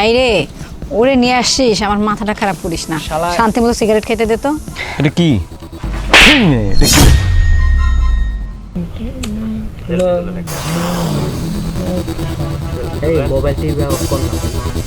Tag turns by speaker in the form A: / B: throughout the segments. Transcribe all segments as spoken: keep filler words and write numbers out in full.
A: ভাই রে ওরে নিয়ে আসছিস, আমার মাথাটা খারাপ করিস না। শান্তি মতো সিগারেট খেতে দে তো।
B: এটা কি এটা কি
C: এই মোবাইল টিভি অফ কর না।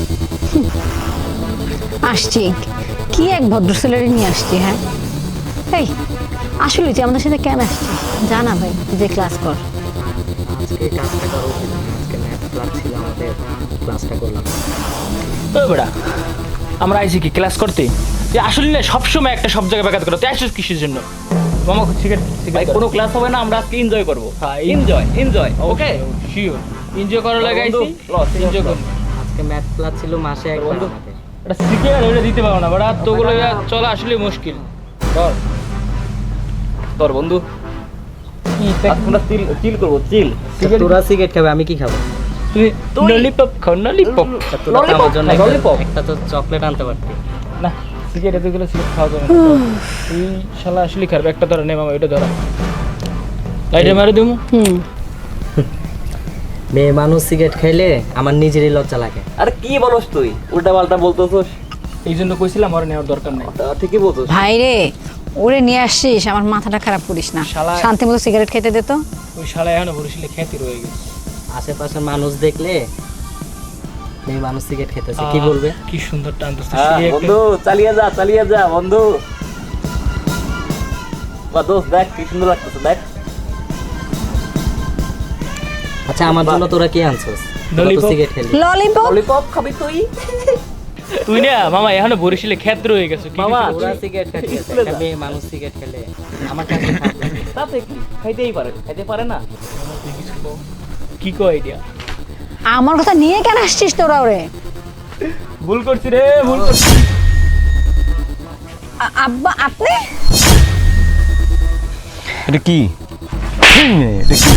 A: আসছি কি এক ভদ্র ছেলেরে নিয়ে আসছি। হ্যাঁ এই আসলে তুই আমাদের সাথে কেন আসছিস জানা ভাই, তুই যে ক্লাস কর।
C: আজকে কাজটা করা উচিত না। আজকে ম্যাথ ক্লাস ছিল আমাদের, ক্লাসটা করলাম।
D: ওই বেড়া আমরা আইছি কি ক্লাস করতে? তুই আসলে না সবসময় একটা সব জায়গায় ব্যাঘাত করো। তুই আসছিস কিসের জন্য? মামা সিগারেট
E: ভাই কোনো ক্লাস হবে না, আমরা আজকে এনজয় করব। Enjoy enjoy okay
D: sure enjoy করার লাগে আইছি। এনজয় করব।
C: আজকে ম্যাথ ক্লাস ছিল মাসে একবার আমাদের।
D: এটা সিগারেট ওটা দিতে পারো না বেড়া, তোগুলো চলা আসলে মুশকিল। ধর
E: তোর বন্ধু আমরা চিল চিল করব চিল।
C: তোরা সিগারেট খাবে, আমি কি খাবো?
D: তুই ললিপপ খাও, ললিপপ।
C: তোরা তো আমার জন্য একটা-
D: ললিপপ
C: একটা তো চকলেট আনতে পারতি।
D: না সিগারেট এতগুলো সিগারেট খাওয়া যাবে না। তুই শালা আসলে খাবে একটা ধরা নে মামা, এটা ধরা লাইটে মারে দিমু।
A: হুম
C: মেয়ে মানুষ সিগারেট খাইলে আমার নিজেরই লজ্জা লাগে।
E: আরে কি বলছ তুই? উল্টা পাল্টা বলতেছস।
D: এই জন্য কইছিলাম আর নেওয়ার দরকার নাই।
E: তা ঠিকই বলছস।
A: ভাই রে ওরে নিয়ে আসছিস, আমার মাথাটা খারাপ করিস না।
D: শালা-
A: শান্তি মতো সিগারেট খেতে দে তো।
D: ওই শালা এখনো বরিশালে খ্যাতি রয়ে গেছে।
C: আশেপাশের মানুষ দেখলে মেয়ে মানুষ সিগারেট খেতেছে কি বলবে?
D: কি সুন্দর টানতেছে
E: হ্যাঁ
D: সিগারেট।
E: বন্ধু চালিয়ে যা চালিয়ে যা বন্ধু। বা দোস্ত দেখ কি সুন্দর লাগতেছে দেখ।
C: আচ্ছা আমার জন্য তোরা কি আনছস? তোরা তো
D: ললিপপ।
C: সিগারেট খেলি।
A: ললিপপ
E: ললিপপ খাবি তুই?
D: তুই না মামা এখনো বরিশালে খ্যাতি রয়ে গেছে। কি
E: মামা,
D: কিছু-
C: তোরা সিগারেট খাচ্ছিস, একটা মেয়ে মানুষ সিগারেট খেলে আমার কাছে খারাপ লাগে।
E: তাতে কি খাইতেই পারে খাইতে পারে না।
D: তুই কিছু কও। কি কয় আইডিয়া?
A: আমার কথা নিয়ে কেন আসছিস তোরা ওরে?
D: ভুল করছি রে, ভুল করছি।
A: আ- আব্বা আপনি
B: এটা কি এটা কি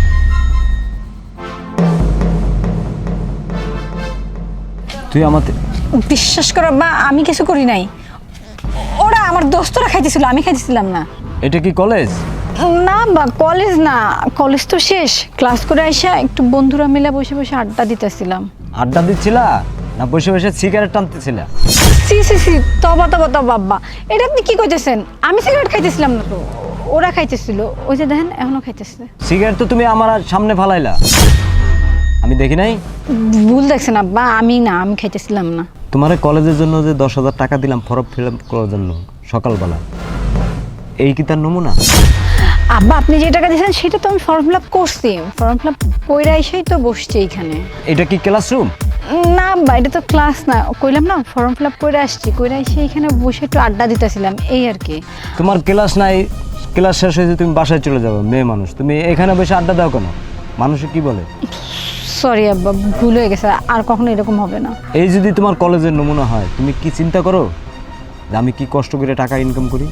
B: তুই আমাদের
A: বিশ্বাস করো আব্বা, আমি কিছু করি নাই। ওরা আমার দোস্তরা খাইতেছিল, আমি খাইতেছিলাম না।
B: এটা কি কলেজ?
A: না বা কলেজ না, কলেজ তো শেষ। ক্লাস করে আইসা একটু বন্ধুরা মিলে বসে বসে আড্ডা দিতেছিলাম।
B: আড্ডা দিচ্ছিলা না বসে বসে সিগারেট টানতেছিলা?
A: সি সি সি তবা তবা তবা আব্বা, এটা আপনি কি কইতেছেন? আমি সিগারেট খাইতেছিলাম না তো, ওরা খাইতেছিল। ওই যে দেখেন এখনো খাইতেছে।
B: সিগারেট তো তুমি আমার আর সামনে ফালাইলা, আমি দেখি নাই।
A: ভুল দেখছেন আব্বা, আমি না, আমি খাইতেছিলাম না।
B: তোমার কলেজের জন্য যে দশ হাজার টাকা দিলাম ফর্ম ফিল আপ করার জন্য সকালবেলা, এই কি তার নমুনা?
A: আব্বা আপনি যে টাকা দিয়েছেন সেটা তো আমি ফর্ম ফিল আপ করছি। ফর্ম ফিল আপ কইরা এসেই তো বসছি এইখানে।
B: এটা কি ক্লাসরুম?
A: না আব্বা এটা তো ক্লাস না, কইলাম না ফর্ম ফিল আপ করে আসছি, কইরা এসে এখানে বসে একটু আড্ডা দিতেছিলাম এই আর কি।
B: তোমার ক্লাস নাই, ক্লাস শেষ হয়েছে তুমি বাসায় চলে যাবে, মেয়ে মানুষ তুমি এখানে বসে আড্ডা দাও কেন? মানুষে কি বলে?
A: সরি আব্বা ভুল হয়ে গেছে, আর কখনো এরকম হবে না।
B: এই যদি তোমার কলেজের নমুনা হয়, তুমি কি চিন্তা করো যে আমি কি কষ্ট করে টাকা ইনকাম করি?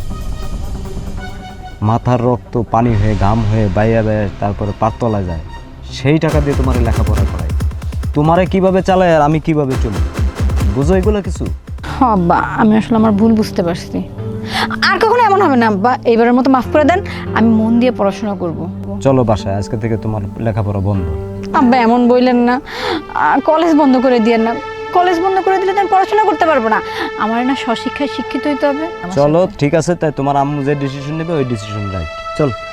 B: মাথার রক্ত পানি হয়ে ঘাম হয়ে বাইয়া বাইয়া তারপরে পারতলা যায়, সেই টাকা দিয়ে তোমার লেখাপড়া করাই। তোমারে কিভাবে চালায় আর আমি কিভাবে চলি, বুঝো এগুলো কিছু?
A: হ্যাঁ আব্বা আমি আসলে আমার ভুল বুঝতে পারছি। আর কখনো এমন হবে না আব্বা, এইবারের মতো মাফ করে দেন, আমি মন দিয়ে পড়াশোনা করব।
B: চলো বাসায়, আজকে থেকে তোমার লেখাপড়া বন্ধ।
A: আব্বা এমন বললেন না, কলেজ বন্ধ করে দিয়েন না। কলেজ বন্ধ করে দিলে তো আমি পড়াশোনা করতে পারবো না। আমার না স্বশিক্ষায় শিক্ষিত হইতে হবে।
B: চলো ঠিক আছে, তাই তোমার আম্মু যে ডিসিশন নেবে ওই ডিসিশন রাইট। চল।